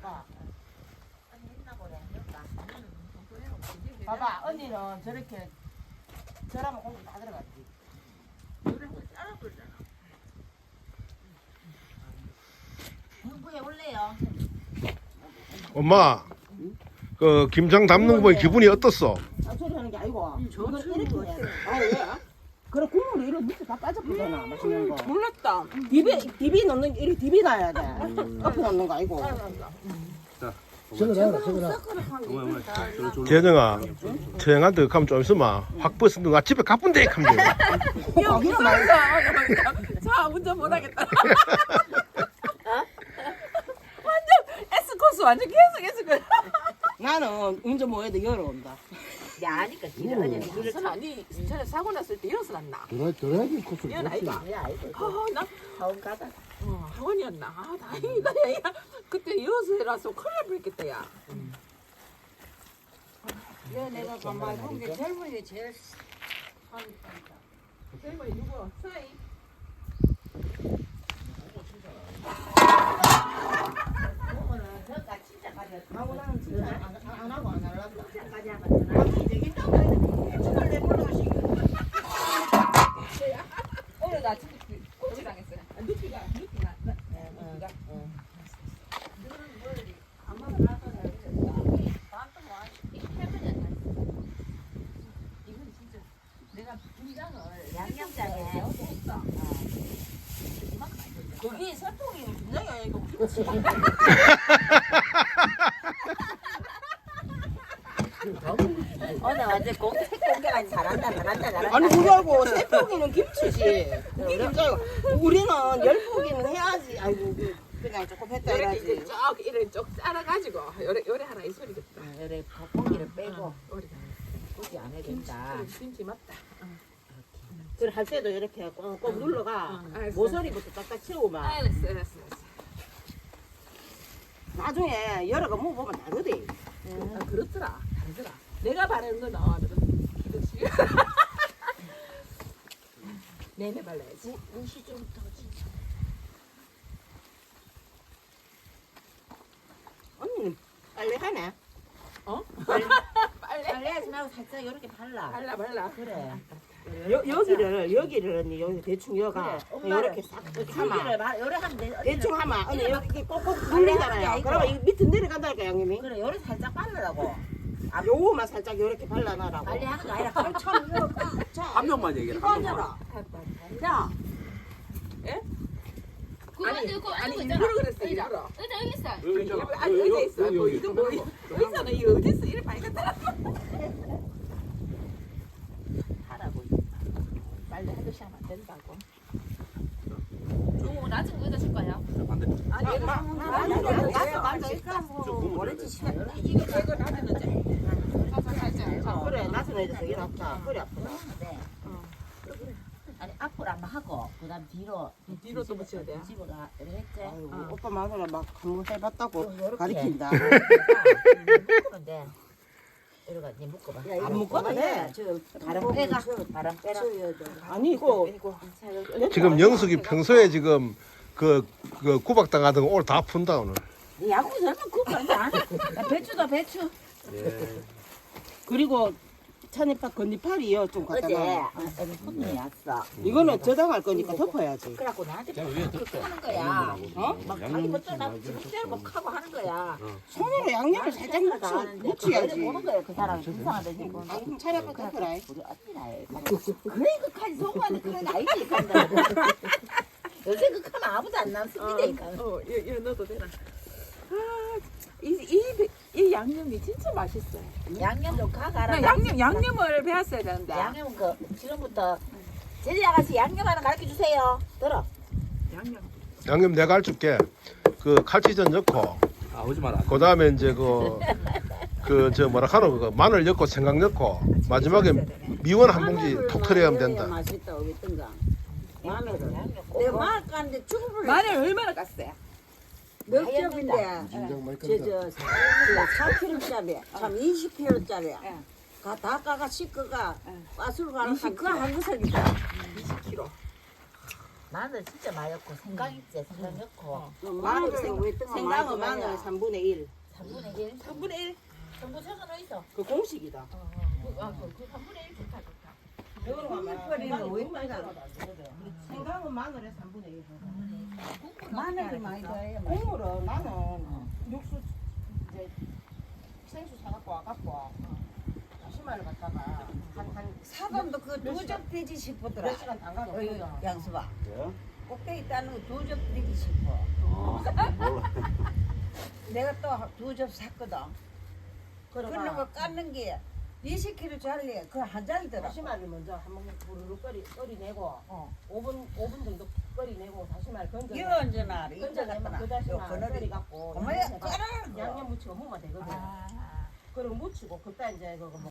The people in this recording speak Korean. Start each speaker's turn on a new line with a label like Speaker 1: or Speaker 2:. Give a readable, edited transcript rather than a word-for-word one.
Speaker 1: 봐봐, 언니는 저렇게 저라면 공기 다 들어갔지.
Speaker 2: 공부해 올래요.
Speaker 3: 엄마, 그 김장 담는 거 보니 기분이 어떻소?
Speaker 1: 소리 하는 게 아니고.
Speaker 2: 저
Speaker 1: 이렇게 해. 아, 왜? 그래, 국물이 이렇게 밑에 다 빠졌거든, 맛있는 거.
Speaker 4: 몰랐다.
Speaker 1: 디비 넣는 게, 이렇게 디비 놔야 돼. 앞에 넣는 거 아니고.
Speaker 3: 재정아, 태영한테 가면 좀 있으면 확 버스는 나 집에 가쁜데 하면 돼.
Speaker 4: 형, 자, 운전 못하겠다. 완전 S코스, 완전 계속 S코스.
Speaker 1: 나는 운전 뭐 해도 열어온다.
Speaker 2: 야, 아니까 기다려.
Speaker 4: 무슨 아니, 전에 사고 났을 때 이어서 났나?
Speaker 5: 드라이빙 코스를
Speaker 4: 이건 아이가. 나
Speaker 2: 다음 가다.
Speaker 4: 학원이었나? 아, 다행이다, 야. 그때 이어서 해라서 큰일 날 뻔했겠다, 야.
Speaker 2: 내가 가만히 본게 젊은이 제일
Speaker 4: 젊은이 누구? 사이?
Speaker 1: 하고 나는 진짜 안 하고 안 할란다.
Speaker 4: 오늘 나 진짜 꼬치 당했어요. 누피가.
Speaker 2: 양념장에
Speaker 1: 거기 설탕이 분명히 아니고 김치.
Speaker 2: 오늘 완전 공개까지 잘한다.
Speaker 1: 아니 그거하고 세 포기는 김치지. 그게 김치고 우리는 열 포기는 해야지. 아이고 그냥 조금 했다
Speaker 4: 이렇게
Speaker 1: 해야지.
Speaker 4: 이제 쭉 이래 쭉 잘라가지고 요래 하라 이 소리겠다.
Speaker 2: 그래 고기를 빼고
Speaker 4: 우리가
Speaker 2: 고기 안 해야 된다.
Speaker 4: 김치 맞다.
Speaker 1: 그래 할 때도 이렇게 꼭 눌러가
Speaker 4: 알았어.
Speaker 1: 모서리부터 딱딱 채우면
Speaker 4: 알았어.
Speaker 1: 나중에 여러 거 먹어보면 다르대.
Speaker 4: 아, 그렇더라. 다르더라. 내가 바르는 거 나와거든. 그렇지. 내내 발라야지.
Speaker 2: 무시 좀 더.
Speaker 1: 언니는 빨래 하네.
Speaker 4: 어?
Speaker 2: 빨리
Speaker 4: 빨래.
Speaker 2: 하지 말고 살짝 이렇게 발라.
Speaker 4: 발라.
Speaker 2: 그래.
Speaker 1: 여기를 언니 여기 대충 여가
Speaker 2: 그래, 엄마는
Speaker 1: 이렇게 싹 이렇게 하면
Speaker 2: 줄기를 요래 하면 돼.
Speaker 1: 대충 하면 언니
Speaker 2: 이래
Speaker 1: 여기 꼭꼭
Speaker 2: 하는 게
Speaker 1: 눌리잖아요.
Speaker 2: 아니고.
Speaker 1: 그러면 이 밑에 내려간다니까 양념이.
Speaker 2: 그래 요래 살짝 바르라고.
Speaker 1: 요거만 살짝 이렇게 발라놔라고.
Speaker 2: 빨리 하는 거 아니라 칼처럼 이렇게
Speaker 5: 한 명만 얘기해. 한 명만.
Speaker 2: 야.
Speaker 4: 아니 일부러 그랬어. 일부러.
Speaker 6: 여기 있어.
Speaker 5: 여기 있잖아.
Speaker 4: 아니 의자 있어. 뭐
Speaker 5: 여기,
Speaker 4: 이거 뭐 의자는 이 어디 있어? 이래 발견다.
Speaker 2: 하라고. 빨리 하듯이 하면 안 된다고.
Speaker 6: 오, 낮은 거 여기다 줄 거야.
Speaker 5: 반대.
Speaker 4: 아니 얘가
Speaker 2: 오렌지 시간.
Speaker 4: 이게 제거 나는 자.
Speaker 1: 그래 나서는 이제 되게 낫다. 허리 아프다.
Speaker 2: 네. 아니 앞으로 한번 하고 그다음 뒤로
Speaker 4: 뒤로 또 붙여야 돼.
Speaker 2: 뒤집어가 이렇게 했지.
Speaker 1: 아이고 오빠 마누라 막 한번 해봤다고
Speaker 2: 요렇게.
Speaker 1: 가리킨다.
Speaker 2: 묶으면 돼. 이러가 이제 묶어봐.
Speaker 1: 안 묶어도 돼.
Speaker 2: 바람 빼가. 바람 빼라.
Speaker 1: 아니 이거
Speaker 3: 지금 영숙이 평소에 지금 그 구박당하던 거 오늘 다 푼다 오늘.
Speaker 2: 야구 설마 그거 안 해. 배추다 배추.
Speaker 5: 예.
Speaker 1: 그리고 찬이파 건니팔이요 좀 갖다
Speaker 2: 어제
Speaker 1: 놔.
Speaker 2: 어제 손님이 왔어.
Speaker 1: 이거는 저장할 거니까 덮어야지.
Speaker 2: 그래갖고 나한테
Speaker 5: 자 위에 덮어.
Speaker 2: 하는 거야. 막 자기
Speaker 5: 양념
Speaker 2: 먼저 나 지금 막 하고 하는 거야.
Speaker 1: 손으로 양념을 살짝 묻혀야지.
Speaker 2: 보는 거야 그 사람 이상하다 지금.
Speaker 1: 아 그럼 찬이파 덮어라.
Speaker 2: 우리 언니라 그래 그까지 속아는 그건 아니지 간다. 요새 그 카면 아무도 안 남습니다 이 카면.
Speaker 4: 이거 넣어도 되나? 이 양념이 진짜 맛있어요.
Speaker 2: 양념 좀 가가라.
Speaker 4: 나 양념을 배웠어야 되는데.
Speaker 2: 양념 그 지금부터 제리 아가씨 양념 하나 가르쳐 주세요. 들어.
Speaker 3: 양념 내가 해줄게. 그 칼치전 넣고,
Speaker 5: 아 오지 마라.
Speaker 3: 그 다음에 이제 그 저 뭐라 하노 그거 마늘 넣고 생강 넣고 마지막에 미원 한 봉지 톡 털어야 하면 된다.
Speaker 1: 맛있다 어겠던가. 마늘은.
Speaker 2: 내가
Speaker 1: 마늘 깠는데 죽을
Speaker 4: 마늘 얼마나 깠어요?
Speaker 1: 몇
Speaker 2: 하얀
Speaker 1: 겹인데
Speaker 5: 진정 많이 깐다.
Speaker 1: 4kg짜리 참 20kg짜리 다 까가 씻거가 가수로 가는 그거 한 구석이다.
Speaker 4: 20kg.
Speaker 2: 마늘 진짜 많이 넣고 생강 있지 생강 넣고
Speaker 1: 마늘 생강은 마늘 3분의 1.
Speaker 2: 3분의 1
Speaker 4: 3분의 1.
Speaker 2: 전부 적어놓 있어
Speaker 1: 그 공식이다.
Speaker 2: 그 3분의 1 좋다 좋다
Speaker 1: 국물이는 왜 생강은 마늘의 3분의 1.
Speaker 2: 마늘을 많이 넣어요
Speaker 1: 국물은 나는 육수 이제 생수 사갖고 와갖고 다시마를 갖다가 한
Speaker 6: 사돈도 그 두 접 되지 싶더라.
Speaker 1: 몇 시간 담가놓고
Speaker 6: 어이, 양수봐.
Speaker 5: 예?
Speaker 6: 꼭대기 따는 거 두 접 되지 싶어.
Speaker 5: 몰라.
Speaker 6: 내가 또 두 접 샀거든. 그런 거 깎는 게 20kg 잘래. 그 한 잔이더라.
Speaker 1: 다시마를 먼저 한번 부르르 끓이내고 5분 정도 끓이내고 다시마를 건져.
Speaker 6: 이거 언제나 알아.
Speaker 1: 건져내면 그 다시마 끓여갖고
Speaker 6: 어머야, 끓어.
Speaker 1: 양념 무치고 먹으면 되거든. 그럼 무치고 그때 이제 그거